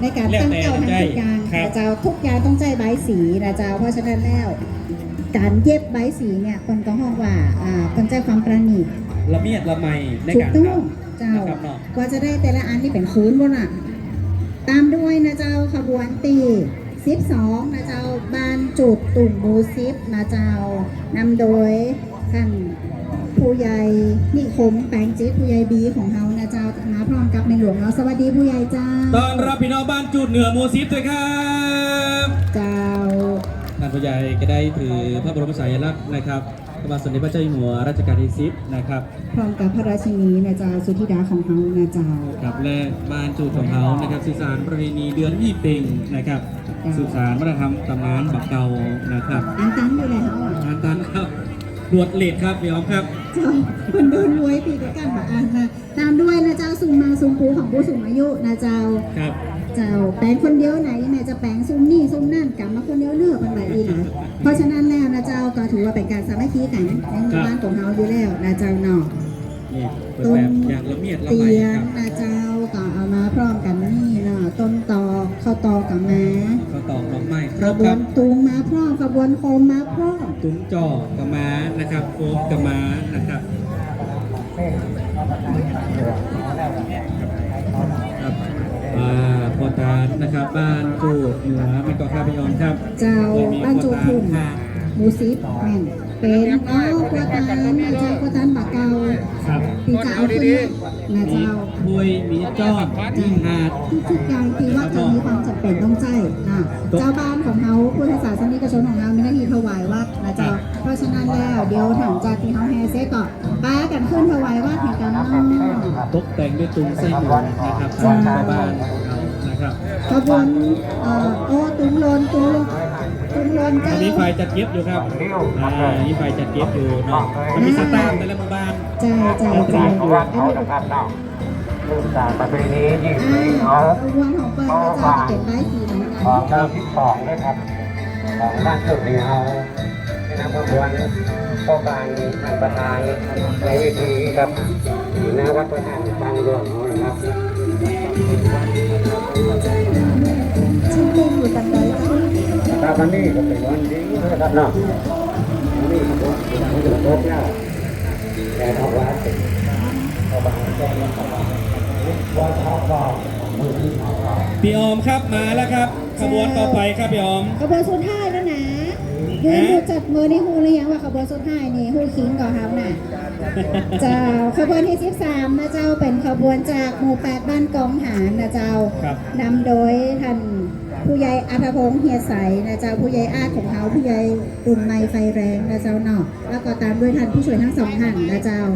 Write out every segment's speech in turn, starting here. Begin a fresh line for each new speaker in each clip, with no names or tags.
ในการตั้งเจ้าทำทุกอย่างนะเจ้าทุกอย่างต้องใจใบสีนะเจ้าเพราะฉะนั้นแล้วการเย็บใบสีเนี่ยคนก็ห้องว่าคนใจความประณีต
ละเมียดละไมในการทำ
เจ้ากว่าจะได้แต่ละอันนี่เป็นคืนบนอ่ะตามด้วยนะเจ้าขบวนตี12นะเจ้าบานจุดตุ่มมูซิปนะเจ้านำโดยท่านผู้ใหญ่นิคมแปลงจิตผู้ใหญ่บีของเฮานะเจ้ามาพร้อมกับในหลวงเราสวัสดีผู้ใหญ่เจ้า
ต้อนรับพี่น้องบ้านจุดเหนือมูซิฟด้วยครับ
เจ้า
ท่านผู้ใหญ่ก็ได้ถือพระบรมฉายาลักษณ์นะครับพระบาทสมเด็จพระเจ้าอยู่หัวรัชกาลที่10นะครับ
พร้อมกับพระราชินีนะเจ้าสุธิดาของเฮานะเจ้า
กับและบ้านจุดของเฮานะครับสื่อสารประเพณีเดือนยี่เป่งนะครับสื่อสารวัฒนธรรมตำนานบักเก่านะครับ
อันตันอยู่แล้ว
อันตันครับรวดเลดครับพี่อ๋อมครับ
เจ้าคนโดนรวยปีกันแบบอันนะตามด้วยนะเจ้าซุมมาซุมปูของผู้สูงอายุนะเจ้า
ครับ
เจ้าแปลงคนเดียวไหนแม่จะแปลงซุมนี่ซุมนั่นกลับมาคนเดียวเลือกเป็นแบบนี้นะเพราะฉะนั้นแล้วนะเจ้าก็ถือว่าเป็นการสามัคคีกันในหมู่บ้านของเฮาอยู่แล้วนะเจ้าเนาะ
ต้นอย่างละเมียดละไม
เตียงนะเจ้าก็เอามาพร้อมกันนี่เนาะต้นตอกข้าวตอกกับม้า
ข้าวตอกดอกไม้
ขบวนตุงมาพร้อมขบวนโคมมาพร้อม
ตุ้งจอกกับม้านะครับโคมกับม้านะครับพอตานะครับบ้านจูดเหนือมันก็ข้าพยอนครับ
เจ้าบ้านจูดทุ่งหมูซิปแม่นเป็นพอตานนะเจ้าพอตานปากเกาตีเจ้าขึ้นนะเจ้า
คุยมีจ้อมีหาด
ทุกอย่างที่ว่าจะมีความจำเป็นต้องใจนะเจ้าบ้านของเขาผู้ศาสนิกชนของเรามีหน้าที่ถวายวัดนะเจ้าเพราะฉะนั้นแล้วเดี๋ยวถังจากที่เขาแฮเซ่ก่อนป้ากันขึ้นถวายวัดแห่งกันเนาะ
ตกแต่งด้วยตุ้งไส้หมูนะครับชาวบ้านนะครับ
ขบวนตุ้งลนเจ้า
มีไฟจัดเก็บอยู่ครับมีไฟจัดเก็บอยู่เนาะมีสตาร์แต่ละหมู่บ้าน
ใช่
ลูกสาวประเพณียิ่งเขา
วันของเปิ้ลจะเก็บได้สีเหมือนกัน
ของเรา12นะครับของบ้านจุดนี้เขาที่นำขบวนเข้าการท่านประธานในเวทีครับอยู่หน้าวัดพระธาตุบางหลวงนะครับ
ชื่อเพลงอยู่ตันใด
ตาวันนี้ก็เป็นวันดีนะครับเนาะวันนี้ก็เป็นโต๊ะเน่าแต่ทว่าเป็น
พี่ออมครับมาแล้วครับขบวนต่อไปครับพี่ออม
ขบวนสุดท้ายแล้วนะยืนดูจัดมือในหูหรือยังว่าขบวนสุดท้ายนี่หูขิงก่อนครับน่ะเจ้าขบวนที่13นะเจ้าเป็นขบวนจากหมู่8บ้านกองหารนะเจ้านำโดยท่านผู้ใหญ่อัธพงษ์เฮียใสนะเจ้าผู้ใหญ่อาของเขาผู้ใหญ่รุ่นใหม่ไฟแรงนะเจ้าเนาะแล้วก็ตามด้วยท่านผู้ช่วยทั้ง2ท่านนะเจ้า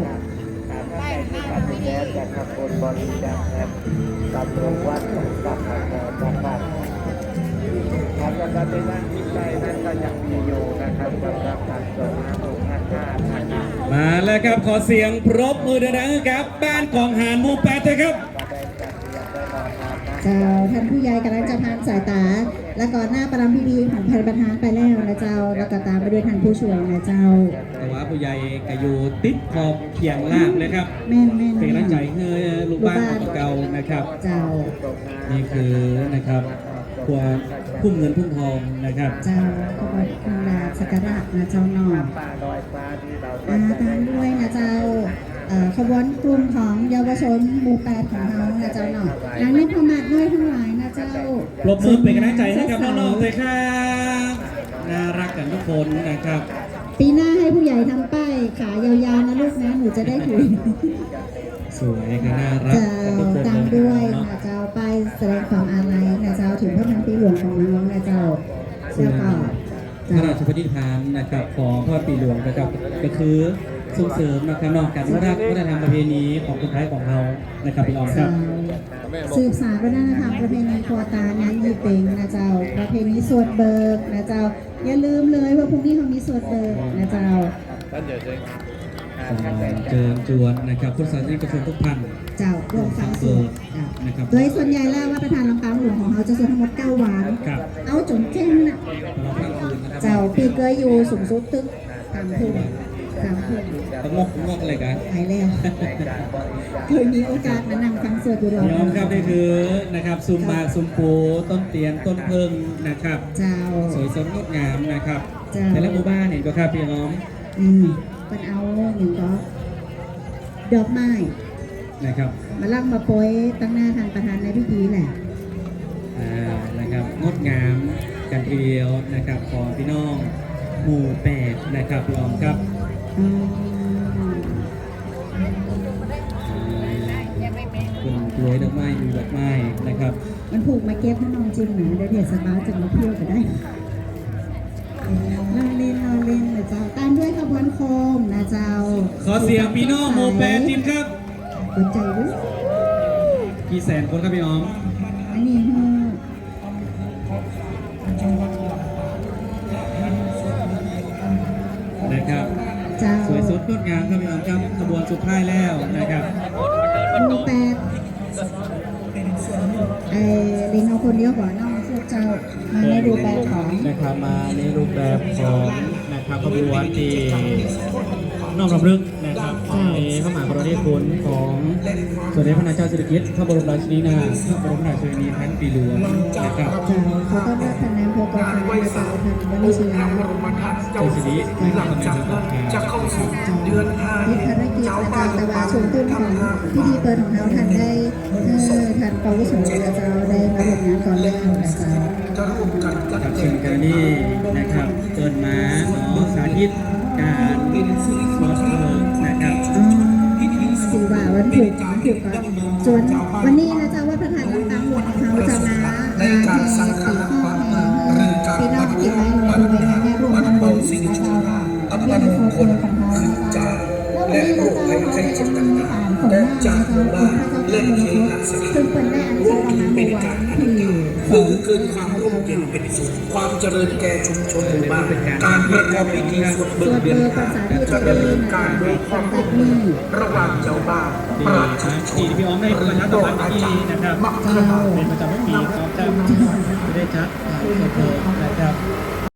จากขบวนบริจาคครับตำรวจวัดกับการทำการได้นั่งที่ใจนั่นก็ยังมีอยู่นะครับสำหรับการส่งน้ำลงท่า
มาแล้วครับขอเสียงปรบมือดังๆครับบ้านของหารหมู่8เลยครับ
เจ้าท่านผู้ใหญ่กำลังจะพานสายตาแล้วก่อนหน้าประรำพิธีของประธานไปแล้วนะเจ้าแล้วก็ตามไปด้วยท่านผู้ช่วยนะเจ้า
แต่ว่าผู้ใหญ่ก็อยู่ติดขอบเขียงลาบเลยครับ
แม่
เป็นกำลังใจให้ลูกบ้านของเก่านะครับ
เจ้า
นี่คือนะครับตัวพุ่มเงินพุ่มทองนะครับ
เจ้าขบวนคุณลาสักการะนะเจ้าหน่อตามด้วยนะเจ้าขบวนกลุ่มของเยาวชนหมู่8ของเรานะเจ้าหน่อยนางเล่นพม่าด้วยทั้งหลายนะเจ้า
ปรบมือเป็นกำลังใจให้กับน้องๆเลยครับน่ารักกันทุกคนนะครับ
ปีหน้าให้ผู้ใหญ่ทำป้ายขายาวๆนะลูกนะหนูจะได้ถือ
สวยก็น่ารัก
ตามด้วยนะเจ้าป้ายแสดงความอาลัยนะเจ้าถึงพระพันปีหลวงของน้องนะเจ้าแล้วก็
พระราชปณิธานนะครับของพระปีหลวงนะครับก็คือส่งเสริมนะครับนอกจากวัฒนธรรมประเพณีของคนไทยของเรานะครับพี่ออมครับ
สืบสานวัฒนธรรมประเพณีครัวตานั้นยี่เป็งนะเจ้าประเพณีสวดเบิกนะเจ้าอย่าลืมเลยว่าพรุ่งนี้เขามีสวดเบิกนะเจ้า
เจิญจวนนะครับพุทธศาสนิกชนทุกท่าน
เจ้าร่วมฟังสวดนะครับโดยส่วนใหญ่แล้วว่าประธานลำปางหลวงของเขาจะสวดทั้งหมด9 วันเอาจนเจ้งนะเจ้าปีเกยอยู่สูงสุดตึก3 ทุ่ม 3 คน
ตะงกอะไรกัน
ไปแล้ว
ในการบริจาค
เคยมีโอกาสมานั่งฟังสวดอยู่หรอ
พี่ออมครับนี่คือนะครับซุมหมากซุมปูต้นเตียนต้นเพิงนะครับ
เจ้า
สวยสดงดงามนะครับ
จ้ะ
แต่ละหมู่บ้านเห็นก็ครับพี่ออม
มันเอาอย่างก็ดอกไม้
นะครับ
มาลั่งมาโปรยตั้งหน้าทางประธานในพิธีแหละ
นะครับงดงามกันทีเดียวนะครับของพี่น้องหมู่แปดนะครับพี่ออมครับ
อืม
คุณรวยดอกไม้มีดอกไม้นะครับ
มันผูกมาเก็บให้น้องจริงนะเดี๋ยวเทศบาลจะมาเที่ยวก็ได้เราเล่นนะเจ้าตามด้วยขบวนโคมนะเจ้า
ขอเสียงพี่น้องหมู่แปดทีมครับ
กดใจด้วย
กี่แสนคนครับพี่ออม
อันนี้คือ
นะครับ
เจ้า
สวยสดงดงามครับพี่ออมครับขบวนสุดท้ายแล้วนะครับ
หมู่แปดลิงเอาคนเดียวก่อนน้องพวกเจ้ามาในรูปแบบของ
นะครับมาในรูปแบบของนะครับขบวนที่น้อมรำลึกนะครับในพระมหากรุณาธิคุณของสมเด็จพระนางเจ้าสิริกิติ์พระบรมราชินีนาถพระบรมราชินีพันปีหลวงนะครับ
เจ้าเขาก็รับคะแนนโพกรมาเจ้าทันวันนี้ชนะ
เจ้าสิรินะครับในเรื่องของการ
ยึดภารกิจอาจารย์ตะวันชมตุ้นของพิธีเปิดของเราทันได้ทันปวุโสนะเจ้าได้มาร่วมงานก่อนแล้วนะเจ้า
กับเชิญกันนี่นะครับเปิดมาเนาะสาธิตการรถเพลิงนะครับ
สีว่าวันผูกก่อนจนวันนี้นะเจ้าว่าประธานต่างๆหมวดของเขาจะมาแห่ปีข้อพี่น้องที่ไว้ในบริเวณงานรวมทำบุญนะเจ้าเป็นโครงของเขานะเจ้าแล้ววันนี้นะเจ้าเขาได้อ่านของหน้านะเจ้าคุณพระเจ้าเป็นมนุษย์ซึ่งเป็นได้อันเชิญมาเมื่อวันที่2
คือความร่มเย็นเป็นสุขความเจริญแก่ชุมชนหมู่บ้านการประกอบพิธีสวด
ส
เบิ
ว
ก
ด
เบียน
เบอร์ภาษาที่จะดีนะเจ้าตั้งแต่นี้
ระหว่างเจ้าบ้าน
ดี
ประ
นะ
ชาช
ที่
น
พี่ออมได้ประชาสัมพันธ์ที่นะครับ
เจ้า
เป็นประจำทุกปีครับจะได้จัดสวดเพลิงนะครับ